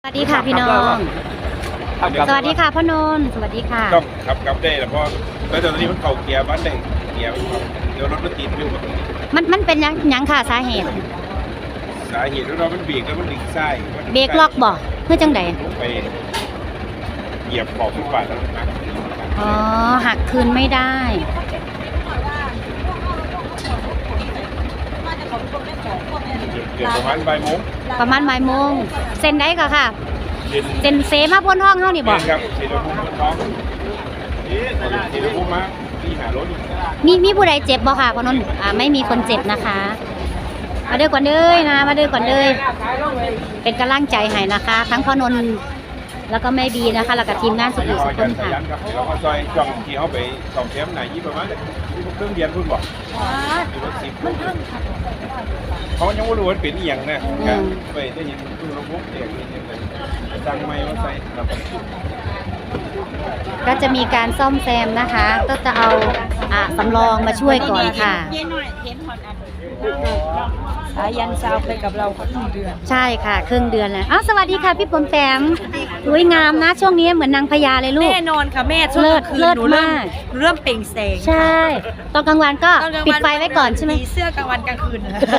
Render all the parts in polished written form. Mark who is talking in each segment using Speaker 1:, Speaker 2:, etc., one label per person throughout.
Speaker 1: สวัสดีค่ะพี่น้องสวัสดีค่ะพ่อนนท์สวัสดีค่ะ
Speaker 2: ต้องขับได้แล้วเพราะแล้วตอนนี้มันเข่าเกียร์บ้านได้เกียร์เดี๋ยวรถมันติดอยู่
Speaker 1: มันเป็นยังค่ะสาเหตุ
Speaker 2: แล้วเรามันเบรกแล้วมันดึงซ้าย
Speaker 1: เบรกล็อกบ่เพื่อจังใด
Speaker 2: ไปเหยียบขอบฟุตบาทแล้วนะ
Speaker 1: อ๋อหักคืนไม่ได้
Speaker 2: เกือบประมาณบ่ายโมง
Speaker 1: เซ็นได้ก็ค่ะเซ็นเซมาบนห้องเฮานี่บ่
Speaker 2: ครับสีชมพูท้องสีชมพูมาที่หารถ
Speaker 1: มีผู้ใดเจ็บบ่ค่ะพ่อนนท์ไม่มีคนเจ็บนะคะมาเด้อก่อนเด้อนะมาเด้อก่อนเด้อเป็นกำลังใจให้นะคะทั้งพ่อนนท์แล้วก็แม่บีนะคะแล้วก็ทีมงานสุขุมสุขคนค่ะ
Speaker 2: เราก็ซอยจ่องที่เขาไปสองเทมไหนยี่ประมาณเครื่องเรียนพุ่นบอกมันเครื่องเขายังไม่รู้ว่าเป็นอย่างนะไปได้ยินคือระบบเด็กสั่งไม้มาใส่
Speaker 1: ก็จะมีการซ่อมแซมนะคะก็จะเอาสำรองมาช่วยก่อนค่ะ
Speaker 3: สายันซาวไปกับเราครึ่งเดือน
Speaker 1: ใช่ค่ะครึ่งเดือนแล้วสวัสดีค่ะพี่ปมแปมสวยงามนะช่วงนี้เหมือนนางพญาเลยลูก
Speaker 3: แน่นอนค่ะแม่ช่วงกลางคืนหนูเริ่มเปล่งแสง
Speaker 1: ใช่ตอนกลางวันก็ปิดไฟไว้ก่อนใช่ไหม
Speaker 3: เสื้อกลางวันกลางคืน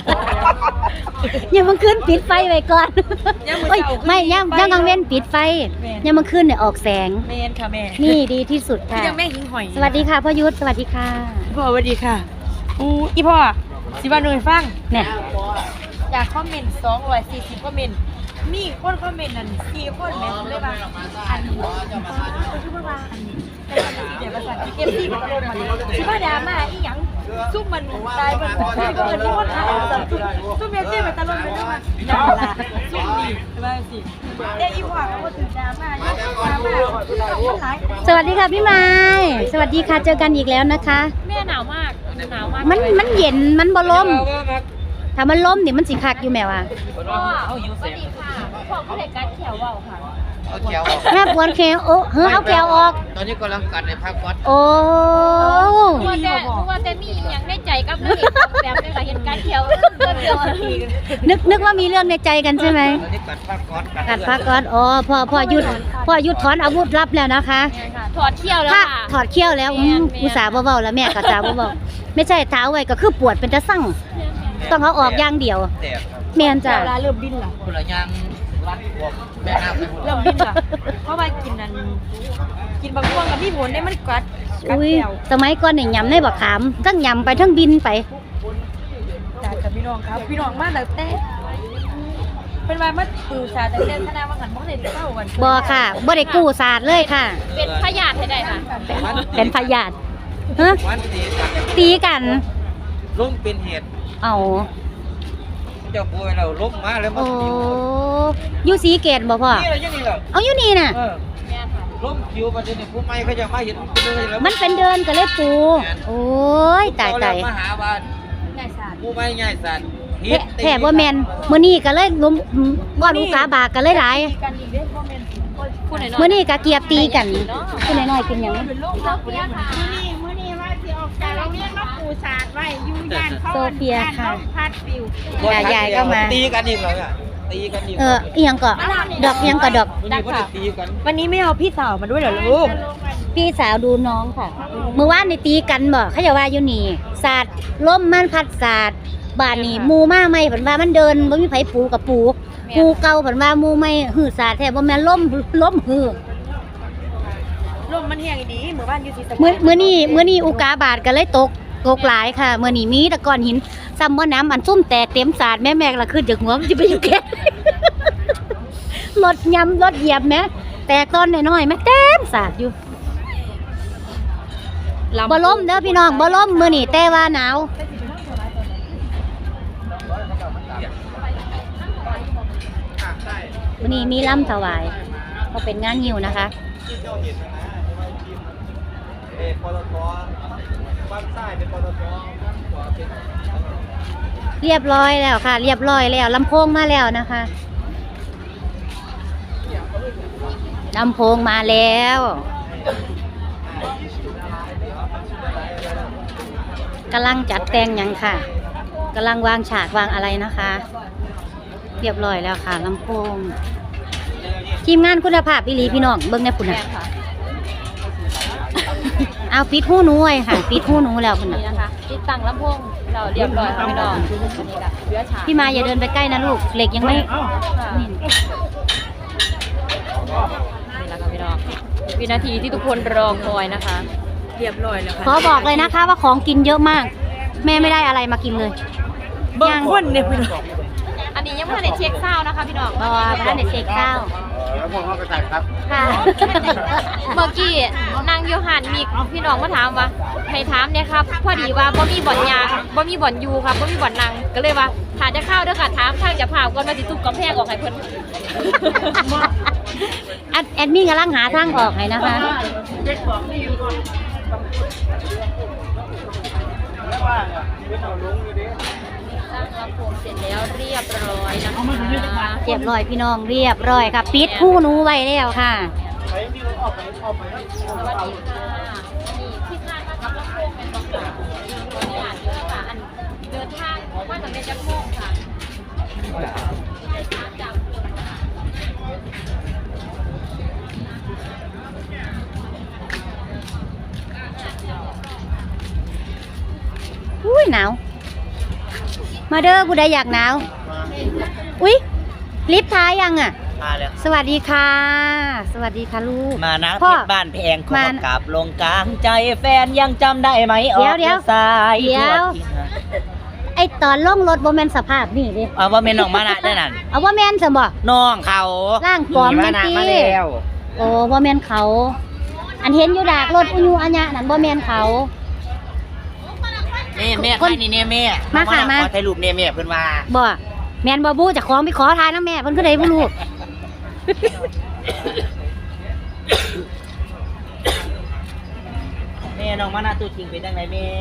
Speaker 1: ยังมันขึ้นปิดไฟไว้ก่อนไม่ยังกลางเว้นปิดไฟยังมันขึ้นเนี่ยออกแสง
Speaker 3: แม่ค่ะแม่
Speaker 1: นี่ดีที่สุดค่ะ
Speaker 3: ยังแม่หิ้งหอย
Speaker 1: สวัสดีค่ะพ่อยุทธสวัสดีค่ะ
Speaker 3: พ่อสวัสดีค่ะอีพ่อสิว่าหน่วยฟัง
Speaker 1: เนี่ย
Speaker 3: อยากคอมเมนต์240คอมเมนต์มีคนคอมเมนต์นั่น4คนแม่ผมเลยว่าอันนี้คือว่าอันนี้เดี๋ยวภาษาเก็บที่กับลมมันสิว่าดราม่าอีหยังซุ่มมันตายมันที่ก็เอิ้นว่าถ่ายซุ่มเมซี่มันตะลมไปด้วยมันนั่นล่ะซุ่มนี่ว่าสิอีพ่อก็บ่ถึงดราม่าอยู่ดราม่า
Speaker 1: สวัสดีค่ะพี่ไม้สวัสดีค่ะเจอกันอีกแล้วนะคะ
Speaker 3: แม่หนาวมาก
Speaker 1: มันเย็นมันบ่ลมถ้ามันล้มนี่มันสิคักอยู่แม่ว่ะ
Speaker 3: พ่อสวัสดีค่ะพ่อผู้ใดกัดแขวเว้าค่ะ
Speaker 4: เอาแขวออก
Speaker 1: แม่ปวดแขวโอ้เอาแขวออก
Speaker 4: ตอนนี้กำลังกัดในพักวัด
Speaker 1: โอ้
Speaker 3: ว่าแต่มีอย่างในใจกับนักเอกแบบนี้ค่ะเห็นกัดแขว
Speaker 1: นึกว่ามีเรื่องในใจกันใช่ไหม
Speaker 4: ตอนนี้กัดพักวัด
Speaker 1: กัดพักวัดพ่อหยุดถอนอาวุธลับแล้วนะคะ
Speaker 3: ถอดเขี้ยวแล้วค่ะ
Speaker 1: ถอดเขี้ยวแล้วอุตส่าห์เบาๆแล้วแม่ก็จ่าเบาๆไม่ใช่เท้าไว้ก็คือปวดเป็นตะสั่งต้องเอาออกอย่างเดียวแม่นจ้ะ
Speaker 3: เริ่มดิ้นล่ะ
Speaker 4: คนละยางรัดพวกแม่น้ำ
Speaker 3: เริ่มดิ้นล่ะเพราะว่ากินบางช่วงกับพี่ผลได้มันกัด
Speaker 1: สมัยก่อนเนี่ยยำในบักขามทั้งยำไปทั้งบินไป
Speaker 3: จากพี่น้องครับพี่น้องมาแต่เป็นวันมาปูศาสตร์แต่คณะวังหันบ่ได้เข้ากัน
Speaker 1: บ่ค่ะบ่ได้กู้ศาสตร์เลยค่ะ
Speaker 3: เป็นพยาธิให้ได้ค่ะ
Speaker 1: เป็นพยาธิตีกัน
Speaker 4: ล้มเป็นเหตุ
Speaker 1: เอา
Speaker 4: เจ้าป่วยเราล้มมาแล้วมัน
Speaker 1: อยู่สีเกตบ่พ่อเอาอยู่นี่น่ะ
Speaker 4: ล้มคิวประเด็นผู้ไม่เขาจะมาเห็น
Speaker 1: มันเป็นเดินก็เลยปูโอ้ยตาย
Speaker 4: มาหาบ้าน
Speaker 3: ง่ายศาสตร์
Speaker 4: ผู้ไม่ง่ายศาสตร์
Speaker 1: แท้บ่แม่นมื้อนี้ก็เลยล้มบ่ลูกกาบากก็เลยหลายมื้อนี้ก็เกียบตีกันผู้น้อยๆกินหยัง
Speaker 3: เป็นโรคเซาเฟียค่ะมื้อนี้ว่าสิออกจากโรงเรียนมาปูศาสตร์ไว้อยู่ย่านเขา
Speaker 1: โซเฟียค่ะ
Speaker 3: พัดปิ
Speaker 1: วยายก็มา
Speaker 4: ตีกันอีกแล้วตีกันอีก
Speaker 1: อีหยังก็ดอกยังก็ดอก
Speaker 3: วันนี้ไม่เอาพี่สาวมาด้วยเหรอลูก
Speaker 1: พี่สาวดูน้องค่ะเมื่อวานนี่ตีกันบ่เขาจะว่าอยู่นี่ศาสตร์ล้มมันพัดศาสตร์บ้านนี่มูมาใหม่เพิ่นว่ามันเดินบ่มีไผปูกับปูเก่าเพิ่นว่ามูใหม่หื้อศาสตร์แท้บ่แม่นล้มหื้อ
Speaker 3: ลมมันแห้งดีมื้อบ้านอยู่สิ
Speaker 1: มื้อนี้อุกาบาตก็เลยตกหลายค่ะมื้อนี้มีแต่ก้อนหินซ้ำบ่น้ำอันซุ่มแตกเต็มศาสตร์แม่ละขึ้นจากหัวมันสิไปอยู่แค่รถเหยียบแม่แตกต้นน้อยๆแม่เต็มศาสตร์อยู่บ่ล้มเด้อพี่น้องบ่ล้มมื้อนี้แต่ว่าหนาววันนี้มีล่ำถวายก็เป็นงานยิวนะคะเรียบร้อยแล้วค่ะเรียบร้อยแล้วลำโพงมาแล้วนะคะลำโพงมาแล้วกำลังจัดแต่งยังค่ะกำลังวางฉากวางอะไรนะคะเรียบร้อยแล้วค่ะลำโพงทีมงานคุณภาพอีหลีพี่น้องเบิ่งแน่พุ่น
Speaker 3: แม่
Speaker 1: น่ะ
Speaker 3: ค่ะ
Speaker 1: เอาปิดหูหนูไว้ค่ะปิดหูหนูแล้วพุ่นน่ะ
Speaker 3: นี่นะคะติดตั้งลำโพงเราเรียบร้อยค่ะพี่น้องอันนี้ละเรือฉาก
Speaker 1: พี่มาอย่าเดินไปใกล้นะลูกเหล็กยังไม่
Speaker 3: ค่ะ
Speaker 1: นี่
Speaker 3: นี่แหละค่ะพี่น้องวินาทีที่ทุกคนรอคอยนะคะ เรียบร้อยแล้วค่ะ
Speaker 1: ขอบอกเลยนะคะว่าของกินเยอะมาก แม่ไม่ได้อะไรมากินเลย
Speaker 3: เบิ่งคนเนี่ยพี่น้องอันนี้ยังไม่ได้เช็คเศร้านะคะพี่น้อง
Speaker 1: บอพระเด็เช็คข้าว
Speaker 2: แล้วพวกเขากระจายครับ
Speaker 1: ค่ะ
Speaker 3: เมื่อกี้นางโยหันมีพี่น้องมาถามว่าให้ถามเนี่ยครับพอดีว่าบ่มีบ่อนยางบ่มีบ่อนยูครับบ่มีบ่อนนางก็เลยว่าถ้าจะเข้าเด้อค่ะถามทางจะผ่าก่อนมาสิทุบกำแพงออกให้เพิ่น
Speaker 1: แอดมินกำลังหาทางออกให้นะคะ
Speaker 3: สร้างลำโพงเสร็จแล้วเรียบร้อยนะคะ
Speaker 1: เรียบร้อยพี่น้องเรียบร้อยค่ะปิดหูหนูไว้แล้วค่ะ
Speaker 3: สวัสดีค่ะนี่ที่คาดว่ากับลำโพงเป็นบอกค่ะตัวนี้อ่านเยอะค่ะอันเดินทางว่าจะเป็นจักรโมงค่ะจาก
Speaker 1: อุ้ยหนาว มาเด้อผู้ใดอยากหนาว อุ้ยลิฟต์ท้ายยังอ่ะ
Speaker 4: มาแล้ว
Speaker 1: สวัสดีค่ะ สวัสดีค่ะลูก
Speaker 4: มานะ
Speaker 1: พ่
Speaker 4: เพ
Speaker 1: อ
Speaker 4: ชรบ้านแพงขอ
Speaker 1: มา
Speaker 4: กลับลงกลางใจแฟนยังจำได้ไหมออก
Speaker 1: เดี๋ยว
Speaker 4: สาย
Speaker 1: เดี๋ยว
Speaker 4: ทั่วที่
Speaker 1: ไอตอนล่องรถโบแมนสภาพนี่ดิ
Speaker 4: เอาว่าเมนออกมานะได้นั่น
Speaker 1: เอาว่าแมนสมบ่
Speaker 4: น้องเขา
Speaker 1: ร่างปลอม
Speaker 4: มานะ
Speaker 1: จังสิ
Speaker 4: มาแล้ว
Speaker 1: โอ้บ่แมนเขา อันเห็นอยู่ดากรถอุยูอัญญะนั่นบ่แมนเขา
Speaker 4: นี่แม่
Speaker 1: คน
Speaker 4: ใครนี่เนี่ยแม่
Speaker 1: มาค่ะมา
Speaker 4: ขอถ่ายรูปเนี่ยแม่เพิ่นว่า
Speaker 1: บ่แมนบ่บูจะของไปขอทานนะแม่เพิ่นก็ได้บ่รู้
Speaker 4: แม่น้องมานะตัวจริงเป็นจังไงแม่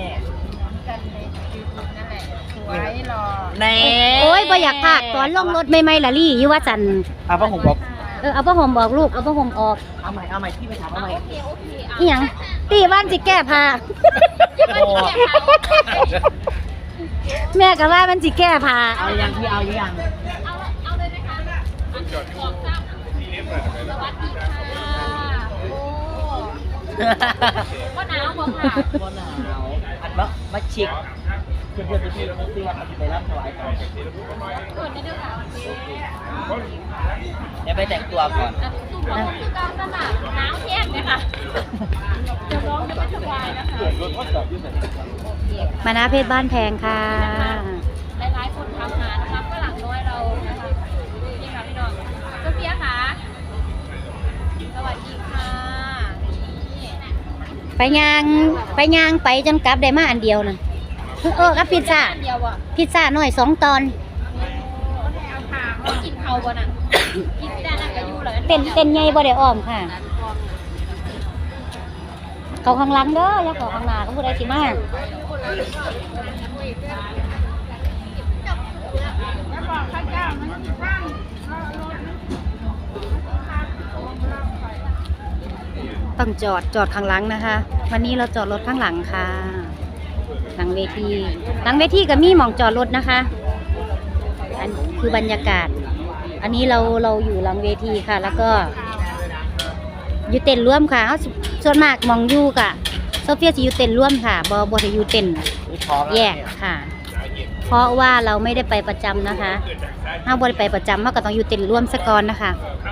Speaker 4: แน่
Speaker 1: โอ้ยบ่อยากพากตอนลงรถใหม่ๆละลี่อยู่ว่าจัน
Speaker 4: เอาผ้าห่มบอก
Speaker 1: เอาผ้าห่มบอกลูกเอาผ้าห่มออก
Speaker 4: เอาใหม่ที่ไปถามเอาใหม่
Speaker 3: โอเคโอเคอ่ะ
Speaker 1: อีหยังตีบ้านสิแก้ผ้า
Speaker 4: โอ้
Speaker 1: แม่ก็ว่ามันสิแก้ผ้า
Speaker 4: เอายังพี่เอายัง
Speaker 3: เอาเลยนะคะอันสองสามสวัสดีค่ะโอ้ก็หนาวบ่ค่ะ
Speaker 4: บ่หนาวอันมาชิกเพื่อนๆที่เขาซื้อว่าเขาจะไปรับถวายก่อน
Speaker 3: เกิดได้ด้วยค่ะ
Speaker 4: เดี๋ยวไปแต่งตัวก่อน
Speaker 3: อันตุ่มของคือการสมัครหนาวแห้งเลยค่ะจะร้องจะไม่สบายนะคะ
Speaker 1: มานาเพชรบ้านแพงค่ะ
Speaker 3: หลายๆคนทำงานนะคะฝรั่งน้อยเรานะคะนี่ค่ะพี่น้องโซเฟียค่ะสวัสดีค่ะนี่
Speaker 1: ไปย่างไปจนกลับได้มาอันเดียวนั่นกับพิซซ่า
Speaker 3: อันเดียวอ่ะ
Speaker 1: พิซซ่าหน่อย2 ตอน
Speaker 3: กินเขาบ่น่ะกินไม่ได้นั่นก็อยู่เลย
Speaker 1: เต้นใหญ่บ่ได้อ้อมค่ะ เขาข้างหลังเด้ออย่าเขาข้างหน้าเขาผู้ใดสิมาต้องจอดข้างหลังนะคะ วันนี้เราจอดรถข้างหลังค่ะ หลังเวทีก็มีหม่องจอดรถนะคะ อันคือบรรยากาศ อันนี้เราอยู่หลังเวทีค่ะ แล้วก็อยู่เต้นร่วมค่ะเอาส่วนมากหมองอยู่กะโซเฟียจะอยู่เต้นร่วมค่ะบจะอยู่เต้นแยกค่ะ เพราะว่าเราไม่ได้ไปประจำนะคะถ้าบ่ได้ไปประจำเราก็ต้องอยู่เต้นร่วมซะก่อนนะคะ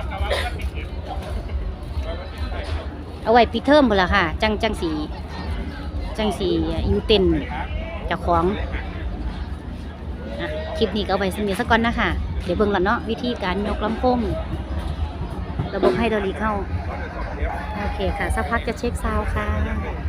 Speaker 1: เอาไว้ปิดเทอมพุ่นล่ะค่ะ จังสีอยู่เต้นเจ้าของอ่ะคลิปนี้ก็เอาไว้สักนิดสักก่อนนะคะเดี๋ยวเบิ่งก่อนเนาะวิธีการยกลำโพงระบบไฮดรอลิกเข้าโอเคค่ะสักพักจะเช็คซาวด์ค่ะ